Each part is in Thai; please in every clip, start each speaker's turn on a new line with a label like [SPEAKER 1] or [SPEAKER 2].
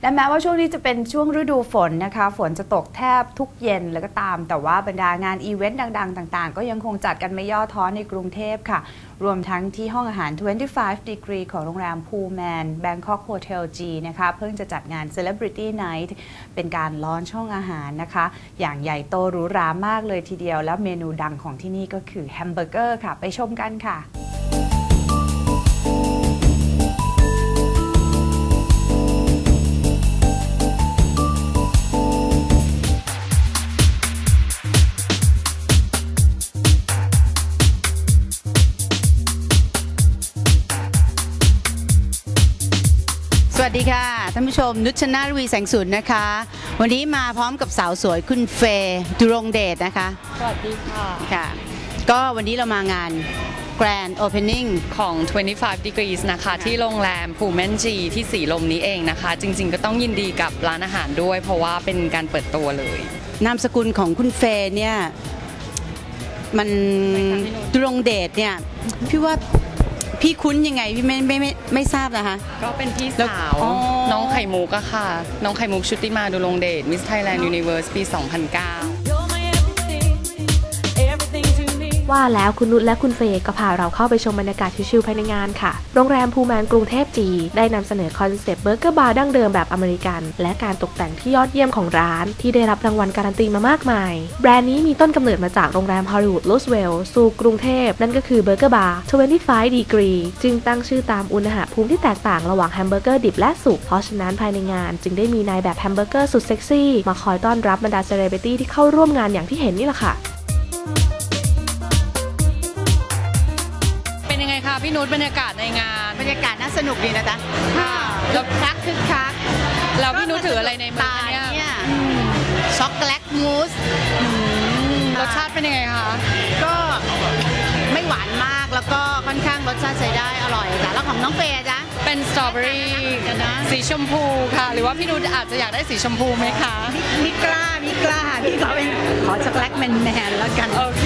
[SPEAKER 1] และแม้ว่าช่วงนี้จะเป็นช่วงฤดูฝนนะคะฝนจะตกแทบทุกเย็นแล้วก็ตามแต่ว่าบรรดางานอีเวนต์ดังๆต่างๆก็ยังคงจัดกันไม่ย่อท้อในกรุงเทพค่ะรวมทั้งที่ห้องอาหาร 25 Degree ของโรงแรม Pullman Bangkok Hotel G นะคะเพิ่งจะจัดงาน Celebrity Night เป็นการลอนช่องอาหารนะคะอย่างใหญ่โตหรูหรามากเลยทีเดียวแล้วเมนูดังของที่นี่ก็คือแฮมเบอร์เกอร์ค่ะไปชมกันค่ะสวัสดีค่ะท่านผู้ชมนุชนาถ วีแสงสุนนะคะวันนี้มาพร้อมกับสาวสวยคุณเฟย์ดุรงเดชนะคะ
[SPEAKER 2] สวัสดีค่ะ
[SPEAKER 1] ค่ะก็วันนี้เรามางาน Grand Opening
[SPEAKER 2] ของ 25 Degrees นะคะที่โรงแรม Pullman G ที่สีลมนี้เองนะคะจริงๆก็ต้องยินดีกับร้านอาหารด้วยเพราะว่าเป็นการเปิดตัวเลย
[SPEAKER 1] นามสกุลของคุณเฟย์เนี่ยมันดุรงเดชเนี่ยพี่ว่าพี่คุ้นยังไงพี่ไม่ทราบนะคะ
[SPEAKER 2] ก็เป็นพี่สาวน้องไข่มุกอะค่ะน้องไข่มุกชุติมาดุรงเดช Miss Thailand Universe ปี 2009
[SPEAKER 3] ว่าแล้วคุณนุชและคุณเฟย์ก็พาเราเข้าไปชมบรรยากาศชิลๆภายในงานค่ะโรงแรมพูแมนกรุงเทพจีได้นำเสนอคอนเซปต์เบอร์เกอร์บาร์ดั้งเดิมแบบอเมริกันและการตกแต่งที่ยอดเยี่ยมของร้านที่ได้รับรางวัลการันตีมามากมายแบรนด์นี้มีต้นกำเนิดมาจากโรงแรมฮอลลีวูดรูสเวลล์สู่กรุงเทพนั่นก็คือเบอร์เกอร์บาร์ 25 Degree จึงตั้งชื่อตามอุณหภูมิที่แตกต่างระหว่างแฮมเบอร์เกอร์ดิบและสุกเพราะฉะนั้นภายในงานจึงได้มีนายแบบแฮมเบอร์เกอร์สุดเซ็กซี่มาคอยต้อนรับบรรดาเซเลบริตี้ที่เข้าร่วมงานอย่างที่เห็นนี่แหละค่ะ
[SPEAKER 2] พี่นุชบรรยากาศในงาน
[SPEAKER 1] บรรยากาศน่าสนุกดีนะจ๊ะ
[SPEAKER 2] ค่ะ
[SPEAKER 1] แล้วคึกคัก
[SPEAKER 2] แล้วพี่นุชถืออะไรในมือ
[SPEAKER 1] เนี่ยช็อกโกแลตมูส
[SPEAKER 2] รสชาติเป็นยังไงคะ
[SPEAKER 1] ก็ไม่หวานมากแล้วก็ค่อนข้างรสชาติใช้ได้อร่อยจ้ะแล้วของน้องเฟย์จ๊ะ
[SPEAKER 2] เป็นสตรอเบอรี่สีชมพูค่ะหรือว่าพี่นุชอาจจะอยากได้สีชมพูไหมคะ
[SPEAKER 1] มิกล้าพี่ขอเป็นขอช็อกโกแลตแมนแล้วกัน
[SPEAKER 2] โอเค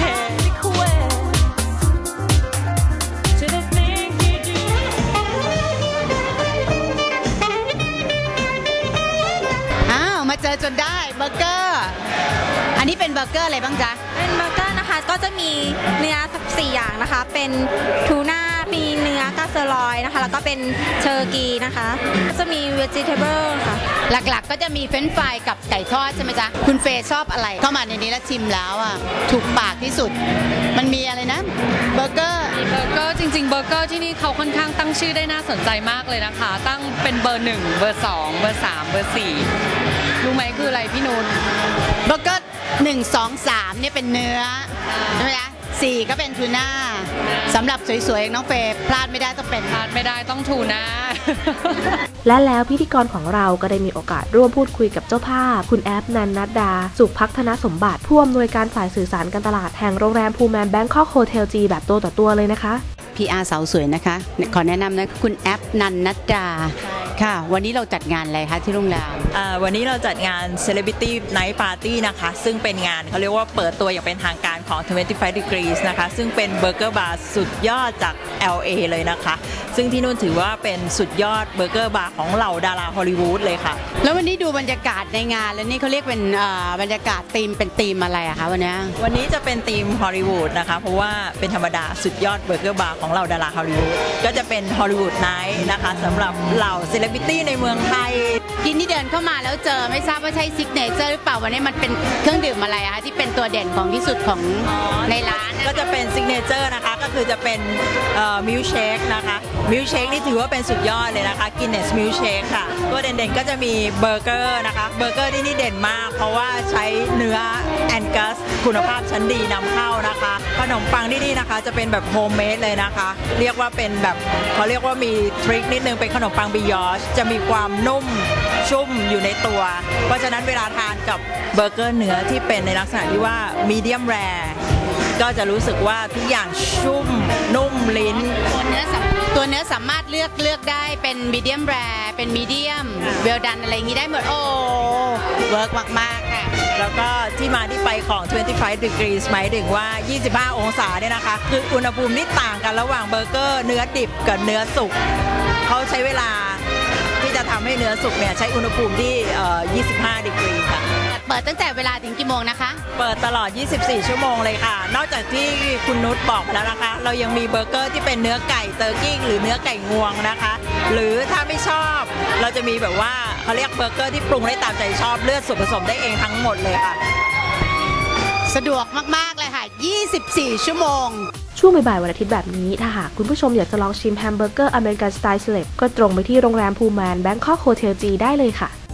[SPEAKER 1] เจอจนได้เบอร์เกอร์อันนี้เป็นเบอร์เกอร์อะไรบ้างจ๊ะ
[SPEAKER 4] เป็นเบอร์เกอร์นะคะก็จะมีเนื้อ4อย่างนะคะเป็นทูน่ามีเนื้อกาเซอรอยนะคะแล้วก็เป็นเชอร์กีนะคะจะมีเวจิเทเบิลค่ะ
[SPEAKER 1] หลักๆก็จะมีเฟรนช์ฟรายกับไก่ทอดใช่ไหมจ๊ะคุณเฟย์ชอบอะไรเข้ามาในนี้แล้วชิมแล้วอ่ะถูกปากที่สุดมันมีอะไรนะเบอร์เกอร์
[SPEAKER 2] จริงๆเบอร์เกอร์ที่นี่เขาค่อนข้างตั้งชื่อได้น่าสนใจมากเลยนะคะตั้งเป็นเบอร์1เบอร์2เบอร์3เบอร์4รู้ไหมคืออะไรพี่นุช
[SPEAKER 1] เบอร์เกอร์1 2 3เนี่ยเป็นเนื้อใช่ไหมจ๊ะ4ก็เป็นทูน่าสำหรับสวยๆน้องเฟย์พลาดไม่ได้
[SPEAKER 2] ต้องทูน่า
[SPEAKER 3] และแล้วพิธีกรของเราก็ได้มีโอกาสร่วมพูดคุยกับเจ้าภาพคุณแอปนันนัดดาสุขพัฒนสมบัติผู้อำนวยการฝ่ายสื่อสารการตลาดแห่งโรงแรมพูแมนแบงคอกโฮเทลจีแบบตัวต่อตัวเลยนะคะ
[SPEAKER 1] PR สาวสวยนะคะขอแนะนำนะคุณแอปนันนัดดาค่ะวันนี้เราจัดงานอะไรคะที่โรงแรม
[SPEAKER 5] วันนี้เราจัดงาน Celebrity Night Party นะคะซึ่งเป็นงานเขาเรียกว่าเปิดตัวอย่างเป็นทางการของ 25 Degrees นะคะซึ่งเป็นเบอร์เกอร์บาร์สุดยอดจาก LA เลยนะคะซึ่งที่นู่นถือว่าเป็นสุดยอดเบอร์เกอร์บาร์ของเหล่าดาราฮอลลีวูดเลยค่ะ
[SPEAKER 1] แล้ววันนี้ดูบรรยากาศในงานแล้วนี่เขาเรียกเป็นบรรยากาศเป็นธีมอะไรอะคะวัน
[SPEAKER 5] นี้จะเป็นธีมฮอลลีวูดนะคะเพราะว่าเป็นธรรมดาสุดยอดเบอร์เกอร์บาร์ของเหล่าดาราฮอลลีวูดก็จะเป็นฮอลลีวูดไนท์นะคะสำหรับเหล่าเซเลบริตี้ในเมืองไทย
[SPEAKER 1] กินที่เดินเข้ามาแล้วเจอไม่ทราบว่าใช่ซิกเนเจอร์หรือเปล่าวันนี้มันเป็นเครื่องดื่มอะไรอะคะที่เป็นตัวเด่นของที่สุดของในร้าน
[SPEAKER 5] ก็จะเป็นซิกเนเจอร์นะคะก็คือจะเป็นมิลค์เชคนะคะมิลค์เชคนี่ถือว่าเป็นสุดยอดเลยนะคะกินเนสมิลค์เชคค่ะตัวเด่นๆก็จะมีเบอร์เกอร์นะคะเบอร์เกอร์ที่นี่เด่นมากเพราะว่าใช้เนื้อแองกัสคุณภาพชั้นดีนำเข้านะคะขนมปังที่นี่นะคะจะเป็นแบบโฮมเมดเลยนะคะเรียกว่าเป็นแบบเขาเรียกว่ามีทริคนิดนึงเป็นขนมปังบิยอชจะมีความนุ่มชุ่มอยู่ในตัวเพราะฉะนั้นเวลาทานกับเบอร์เกอร์เนื้อที่เป็นในลักษณะที่ว่ามีเดียมแรร์ก็จะรู้สึกว่าทุกอย่างชุ่มนุ่มลิ้น
[SPEAKER 1] ตัวเนื้อสามารถเลือกได้เป็นมีเดียมแรร์เป็นมีเดียมเวลดันอะไรอย่างนี้ได้หมดโอ้เวิร์กมากๆค่ะ
[SPEAKER 5] แล้วก็ที่มาที่ไปของ 25 degrees หมายถึงว่า 25 องศาเนี่ยนะคะคืออุณหภูมิที่ต่างกันระหว่างเบอร์เกอร์เนื้อดิบกับเนื้อสุกเขาใช้เวลาที่จะทำให้เนื้อสุกเนี่ยใช้อุณหภูมิที่25 ดีกรีค่ะ
[SPEAKER 6] เปิดตั้งแต่เวลาถึงกี่โมงนะคะ
[SPEAKER 5] เปิดตลอด 24 ชั่วโมงเลยค่ะนอกจากที่คุณนุชบอกแล้วนะคะเรายังมีเบอร์เกอร์ที่เป็นเนื้อไก่เตอร์กิ้งหรือเนื้อไก่งวงนะคะหรือถ้าไม่ชอบเราจะมีแบบว่าเขาเรียกเบอร์เกอร์ที่ปรุงได้ตามใจชอบเลือกส่วนผสมได้เองทั้งหมดเลยค่ะ
[SPEAKER 6] สะดวกมากๆเลยค่ะ24 ชั่วโมง
[SPEAKER 3] ช่วงบ่ายๆวันอาทิตย์แบบนี้ถ้าหากคุณผู้ชมอยากจะลองชิมแฮมเบอร์เกอร์อเมริกันสไตล์เซเลบก็ตรงไปที่โรงแรมพูแมนแบงคอกโฮเทลจีได้เลยค่ะ